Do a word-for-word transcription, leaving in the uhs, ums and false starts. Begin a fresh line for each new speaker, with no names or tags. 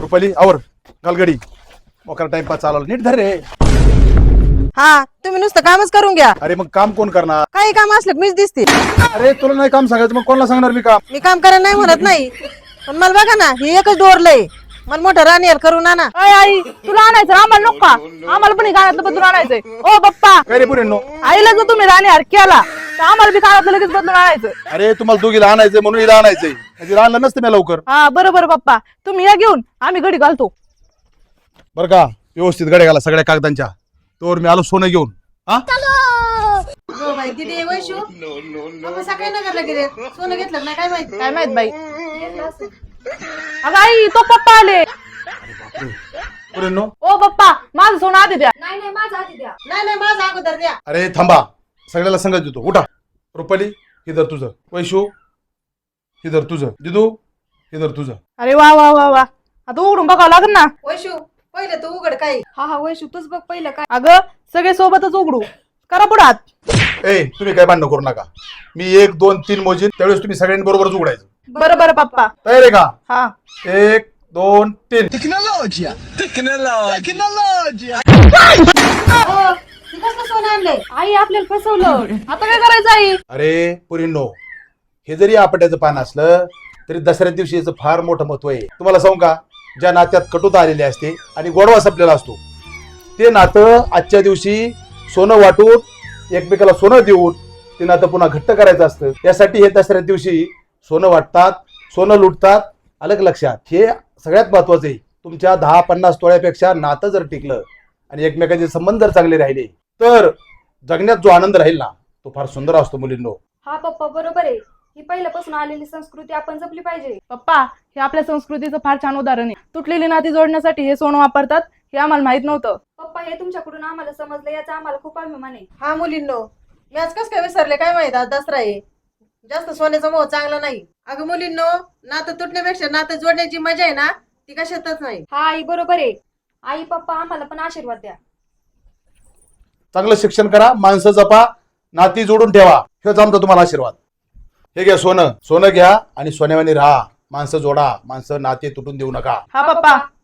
रुपाली आवर घालगडी मोकार timepass चालवला नीट धर रे.
हा तुम्ही नुसतं कामच करून घ्या.
अरे मग काम कोण करणार?
काही काम असलं की मीच दिसते.
अरे तुला नाही काम सांगायचं मग कोणाला सांगणार मी काम?
मी काम करायला नाही म्हणत नाही, पण मला बघा ना ही एकच डोरलंय. मला मोठं रानियर करून आणा.
अय आई तुला आणायचं आम्हाला नको का? आम्हाला पण हे गाण्यातलं बदलून आणायचंय. ओ पप्पा
काय रे पुरेंनो?
आईला जर तुम्ही राणीहार केला तर आम्हाला बी गाण्यातलं लगेच बदलून आणायचं.
अरे तुम्हाला दोघीला आणायचंय म्हणून हिला आणायचंय, म्हणजे आणलं नसतं मी लवकर.
हा बरोबर पप्पा, तुम्ही या घेऊन आम्ही घडी घालतो.
बरं का व्यवस्थित गड्या घाला सगळ्या कागदांच्या. तोवर मी आलो सोनं घेऊन. हा
हो बाई किती वैशू आपण सकाळी नगरला गेले, सोनं घेतलं नाही काय माहिती.
काय माहित बाई. अगं आई तो पप्पा आले.
पुरेंनो
ओ पप्पा माझं सोनं आधी द्या.
नाही नाही माझा आधी द्या.
नाही नाही माझा अगोदर द्या.
अरे थांबा, सगळ्याला संगत देतो. उठा. रुपाली हिदर तुझं, वैशू हिदर तुझं, दिदू हिदर तुझं.
अरे वा वा वा वा, आता उघडून बघावं लागेल ना.
वैशू पहिले तू उघड काही.
हा हा वैशू तूच बघ पहिलं काय.
अगं सगळे सोबतच उघडू, करा पुढे हात.
ए तुम्ही काय भांडण करू नका. मी एक दोन तीन मोजीन त्यावेळेस तुम्ही सगळ्यांनी बरोबरच उघडायचं.
बरं बरं पप्पा.
तयार आहे का?
हा
एक दोन तीन.
Tecnologia! Tecnologia! Tecnologia!
हो, ती कसलं सोनं आणलंय?
आई आपल्याला फसवलं.
आता काय करायचं आई?
अरे पुरींनो, हे जरी आपट्याचं पान असलं तरी दसऱ्या दिवशी याचं फार मोठं महत्व आहे. तुम्हाला सांगू का, ज्या नात्यात कटुता आलेली असते आणि गोडवा संपलेला असतो ते नातं आजच्या दिवशी सोनं वाटून एकमेकाला सोनं देऊन ते नातं पुन्हा घट्ट करायचं असतं. त्यासाठी हे दसऱ्या दिवशी सोनं वाटतात, सोनं लुटतात. अलग लक्षात, हे सगळ्यात महत्वाचं आहे. तुमच्या दहा पन्नास तोळ्यापेक्षा नातं जर टिकलं आणि एकमेकांचे संबंध जर चांगले राहिले तर जगण्यात जो आनंद राहील ना तो फार सुंदर असतो मुलींनो.
हा पप्पा बरोबर आहे. ही पहिल्यापासून आलेली संस्कृती आपण जपली पाहिजे.
पप्पा हे आपल्या संस्कृतीचं फार छान उदाहरण आहे. तुटलेली नाती जोडण्यासाठी हे सोनं वापरतात, हे आम्हाला माहित नव्हतं.
पप्पा हे तुमच्याकडून आम्हाला समजलं, याचा आम्हाला खूप अभिमान आहे.
हा मुलींनो, मी आज कस काय विसरले काय माहित. आज दसरा आहे, जास्त सोन्याचा मोह चांगला नाही. अगं मुलींनो, नातं तुटण्यापेक्षा नातं जोडण्याची मजा आहे ना ती कशातच नाही.
हा आई बरोबर आहे. आई पप्पा आम्हाला पण आशीर्वाद द्या.
चांगलं शिक्षण करा, माणसं जपा, नाती जोडून ठेवा, हेच आमचा तुम्हाला आशीर्वाद. हे घ्या सोनं, सोनं घ्या आणि सोन्यावानी राहा. माणसं जोडा, माणसं नाते तुटून देऊ नका.
हा पप्पा.